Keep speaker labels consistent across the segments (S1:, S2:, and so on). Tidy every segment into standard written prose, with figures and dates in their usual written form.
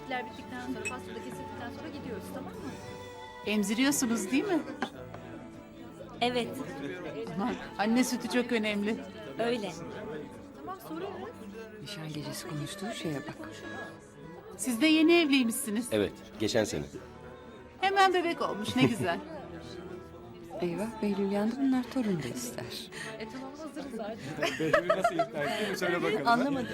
S1: Çiftler bittikten sonra, pasta da kesildikten sonra gidiyoruz, tamam mı?
S2: Emziriyorsunuz değil mi?
S3: Evet,
S2: Aman, anne sütü çok önemli.
S3: öyle.
S1: Tamam, sorarız.
S4: Nişan gecesi konuştuğu şeye bak.
S2: Siz de yeni evliymişsiniz.
S5: Evet, geçen sene.
S2: Hemen bebek olmuş, ne güzel.
S4: Eyvah Behlül yandı, bunlar torun da ister.
S1: Tamam, hazırız artık.
S3: Anlamadım.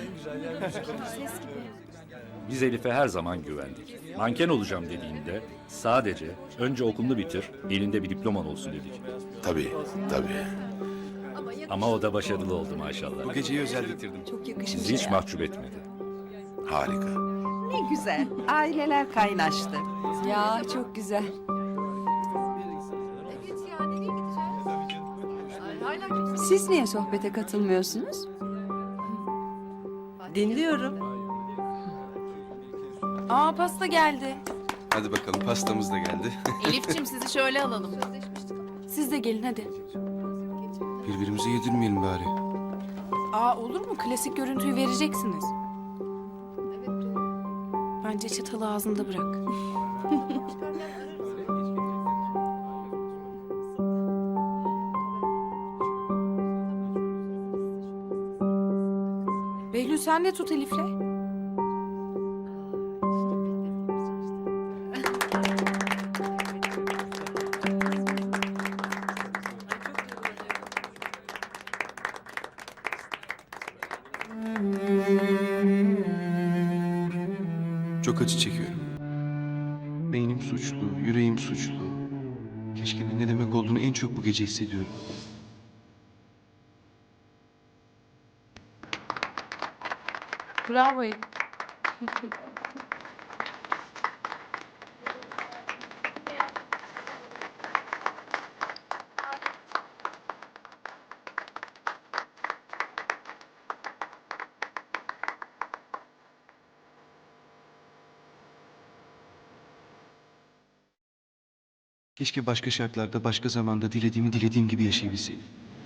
S6: Biz Elif'e her zaman güvendik. Manken olacağım dediğinde sadece önce okulunu bitir, elinde bir diploman olsun dedik.
S5: Tabii, tabii.
S6: Ama o da başarılı oldu maşallah.
S5: Bu geceyi özel getirdim.
S4: Çok yakışmış.
S6: Sizi hiç mahcup etmedi.
S5: Harika.
S7: Ne güzel. Aileler kaynaştı.
S4: Ya çok güzel.
S1: Evet ya, nereye gideceğiz? Ay, hala kimse...
S4: Siz niye sohbete katılmıyorsunuz?
S3: Dinliyorum.
S8: Aa pasta geldi.
S5: Hadi bakalım, pastamız da geldi.
S2: Elif'ciğim sizi şöyle alalım.
S8: Siz de gelin hadi.
S5: Birbirimize yedirmeyelim bari.
S8: Aa olur mu? Klasik görüntüyü vereceksiniz.
S1: Evet, doğru.
S8: Bence çatalı ağzında bırak. Behlül sen de tut Elif'le.
S5: Çok acı çekiyorum. Beynim suçlu, yüreğim suçlu. Keşke ne demek olduğunu en çok bu gece hissediyorum.
S8: Bravo Elif.
S5: Keşke başka şartlarda, başka zamanda dilediğim gibi yaşayabilseydim.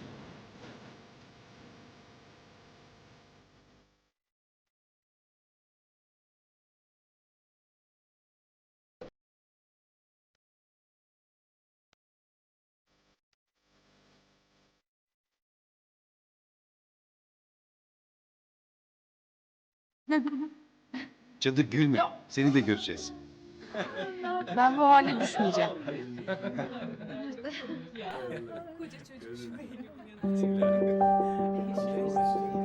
S5: Cadı gülme. Seni de göreceğiz.
S8: Ben bu hale düşmeyeceğim.
S1: Koca çocuk.